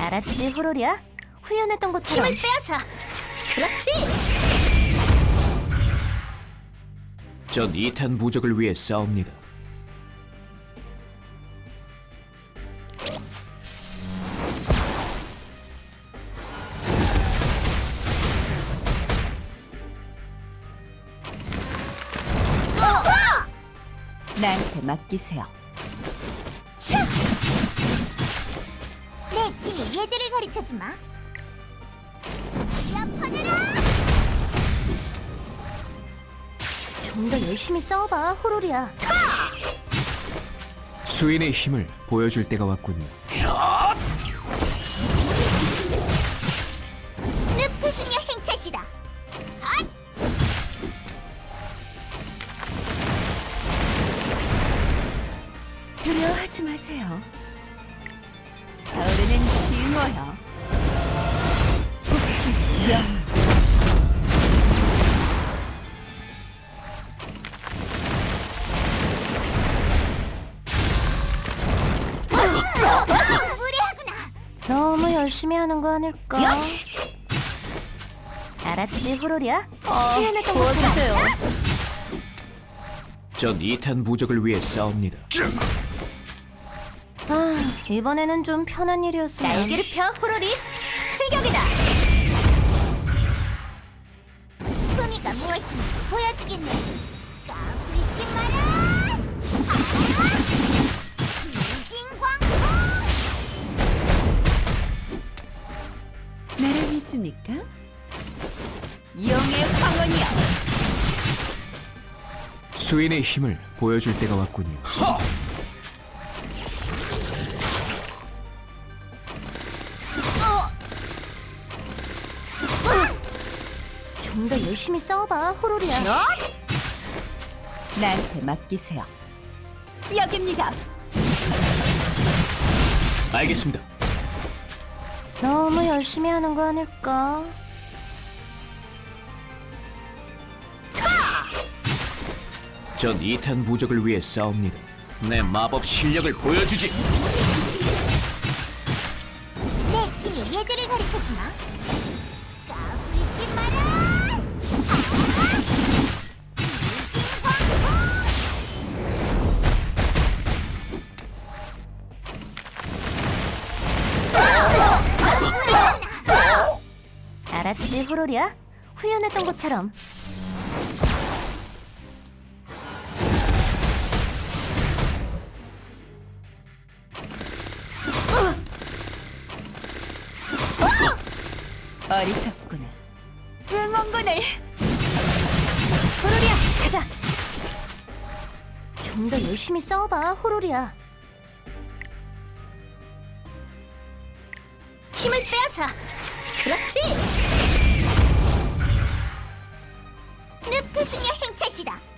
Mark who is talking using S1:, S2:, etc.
S1: 알았지, 호로리야? 후연했던 것처럼.
S2: 힘을 빼앗아. 그렇지.
S3: 전 2탄 부적을 위해 싸웁니다.
S2: 나한테 맡기세요.
S1: 내 친히 예절을 가르쳐주마. 야, 퍼져라! 좀 더 열심히 싸워봐, 호로리야.
S3: 수인의 힘을 보여줄 때가 왔군요.
S1: 늪푸승의 행차시다.
S2: 두려워하지 마세요. 가을에는 징어요. 영.
S1: 무례하구나. 너무 열심히 하는 거 아닐까?
S2: 야!
S1: 알았지, 호로리야? 후연했던 것처럼.
S2: 도와주세요.
S3: 전 2탄 부적을 위해 싸웁니다.
S1: 아, 이번에는 좀 편한 일이었으면.
S2: 날개를 펴, 호로리. 출격이다.
S1: 품위가 무엇인지 보여주겠네. 까불지 마라. 진광풍.
S2: 나를 믿습니까? 용의 황혼이여.
S3: 수인의 힘을 보여줄 때가 왔군요.
S1: 좀 더 열심히 싸워봐, 호로리야.
S2: 나한테 맡기세요. 여깁니다.
S3: 알겠습니다.
S1: 너무 열심히 하는 거 아닐까?
S3: 전 2탄 부적을 위해 싸웁니다. 내 마법 실력을 보여주지.
S1: 내 친히 예절을 가르쳐주마. 까불지 마라. 알았지, 호로리야? 후연했던 것처럼.
S2: 어리석구나. 응원군을.
S1: 호로리야, 가자. 좀 더 열심히 싸워봐, 호로리야.
S2: 힘을 빼앗아. 그렇지.
S1: 늪푸승의 행차시다.